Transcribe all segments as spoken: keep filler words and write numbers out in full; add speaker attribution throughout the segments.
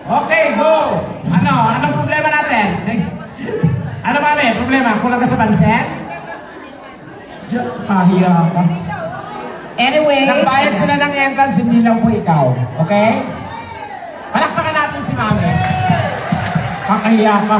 Speaker 1: Okay, go! Ano? Anong problema natin? Ano ba, may problema? Kulang ka sa pansin? Kahiya ka.
Speaker 2: Anyway.
Speaker 1: Nagbayad sila ng entrance, hindi lang po ikaw. Okay? Palakpakan natin si Mami. Kakahiya ka.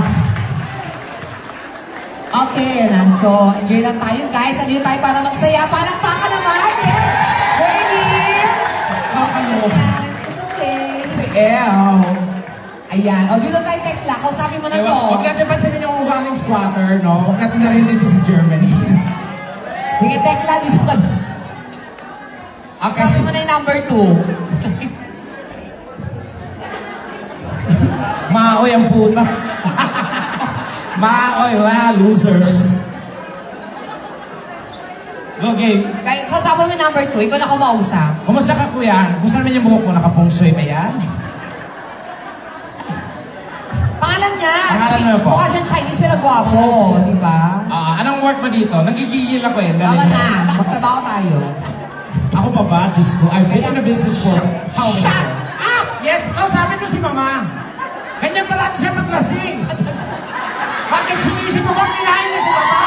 Speaker 2: Okay na. So, enjoy lang tayo guys. Andito tayo para magsaya. Palakpakan naman. Yes. Ready?
Speaker 1: Kakaloka.
Speaker 2: It's okay.
Speaker 1: Si El.
Speaker 2: Ayan. O, dito tayo tekla. Kausapin mo na to.
Speaker 1: Ewan, huwag natin pansinin yung ugaling squatter, no? Huwag natin narinig dito si Germany.
Speaker 2: Sige, tekla. Dito ka.
Speaker 1: Okay.
Speaker 2: Kausapin mo na yung number two.
Speaker 1: Maoy ang puta. Maoy, wala, losers. Okay.
Speaker 2: Kaya, kausapin mo yung number two. Ikaw na kumausap.
Speaker 1: Kumusta ka, kuya? Kumusta naman yung buhok mo? Nakapungsoy ba yan?
Speaker 2: Pangalan niya.
Speaker 1: Pangalan mo po?
Speaker 2: Mukha siyang Chinese pero gwapo. Di ba?
Speaker 1: Ah, anong work mo dito? Nagigigil ako eh.
Speaker 2: Tama
Speaker 1: Dali-
Speaker 2: na. Magtrabaho tayo.
Speaker 1: Ako pa ba? Diyos ko. I've been in the business for how many
Speaker 2: Shut
Speaker 1: years?
Speaker 2: up!
Speaker 1: Yes, kausapin mo si Mama. Ganyan pala siya maglasing. Bakit sinisip mo kung kinain niya si Papa?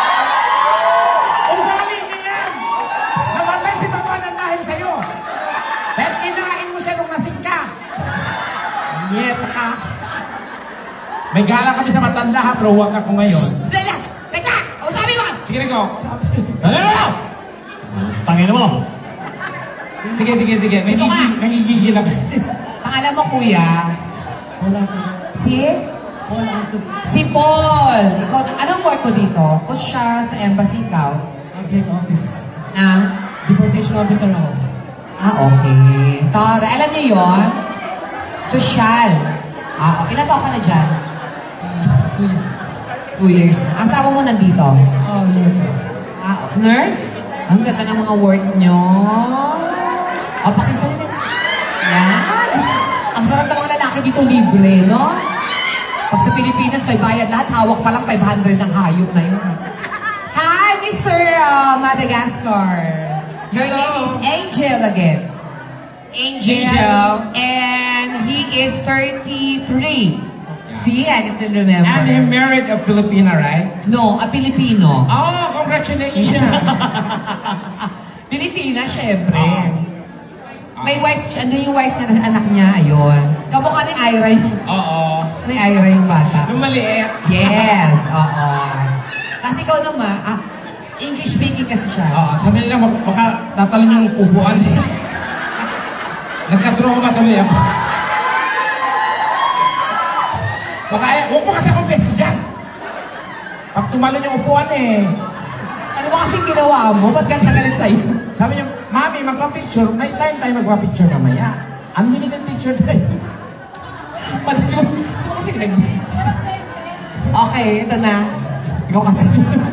Speaker 1: Ugali niya yan. Namatay si Papa ng dahil sa'yo. Dahil kinain mo siya nung lasing ka. Nyeta ka. May gala kami sa matanda ha, pero huwag ako ngayon.
Speaker 2: Lala! Teka! Kausapin mo!
Speaker 1: Sige na ko. Ano mo? Tangin mo. Sige, sige, sige.
Speaker 2: Ito ka.
Speaker 1: Nangigigil, nangigigil ako.
Speaker 2: Pangalan mo, kuya?
Speaker 3: Wala ko.
Speaker 2: Si?
Speaker 3: Wala ko.
Speaker 2: Si Paul! Ikaw, anong work mo dito? Coach siya sa embassy, ikaw?
Speaker 3: Public office.
Speaker 2: Na?
Speaker 3: Deportation officer ako.
Speaker 2: Ah, okay. Tara, alam niyo yon? Social. Ah, oh, ilan taon ka na dyan?
Speaker 3: Two years.
Speaker 2: Two years na. Asawa mo nandito?
Speaker 3: Oh, yes.
Speaker 2: Ah, nurse? Ang ganda ng mga work nyo. O, pakisalita. Yan. Ang sarap ng mga lalaki dito libre, no? Pag sa Pilipinas, may bayad lahat. Hawak pa lang five hundred ng hayop na yun. Hi, Mister uh, Madagascar. Your
Speaker 1: Hello.
Speaker 2: name is Angel again. Angel.
Speaker 1: Angel.
Speaker 2: And he is thirty-three. See, I can still remember.
Speaker 1: And he married a Filipina, right?
Speaker 2: No, a Filipino.
Speaker 1: Oh, congratulations!
Speaker 2: Pilipina, syempre.
Speaker 1: Ah.
Speaker 2: May wife, siya- ano yung wife niya, anak niya, ayun. Kamukha ni Ira yung,
Speaker 1: Oo.
Speaker 2: ni Ira yung bata.
Speaker 1: Nung maliit.
Speaker 2: Yes, oo. Kasi ikaw naman, ah, English speaking kasi siya.
Speaker 1: Oo, sandali lang, baka, baka tatalon yung upuan. Nagka-trauma tuloy ako. Baka, eh, huwag mo kasi akong best dyan. Pag tumalon yung upuan eh.
Speaker 2: Ano ba kasing ginawa mo? Ba't ganda galit sa'yo?
Speaker 1: Sabi niya, Mami, magpa-picture. May time tayo magpa-picture mamaya. Unlimited picture tayo.
Speaker 2: Ba't mo? Ano kasi nag... Okay, ito na. Ikaw kasi.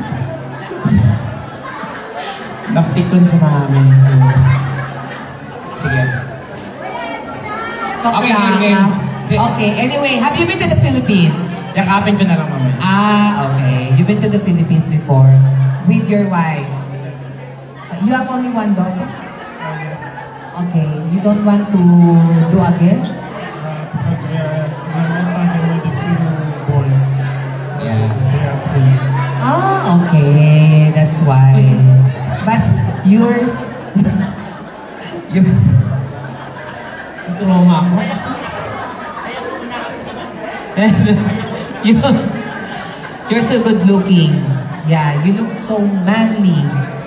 Speaker 1: Naptikon sa Mami. Sige.
Speaker 2: Okay,
Speaker 1: Okay, okay.
Speaker 2: Okay, anyway, have you been to the Philippines?
Speaker 1: Yakapin ko na lang mamaya.
Speaker 2: Ah, okay. You've been to the Philippines before with your wife. You have only one daughter? Okay. You don't want to do again?
Speaker 3: Uh, because we are, my wife has already two boys.
Speaker 1: Yeah.
Speaker 3: They are free.
Speaker 2: Ah, okay. That's why. But yours? you
Speaker 1: Trauma ako.
Speaker 2: you, you're so good looking. Yeah, you look so manly.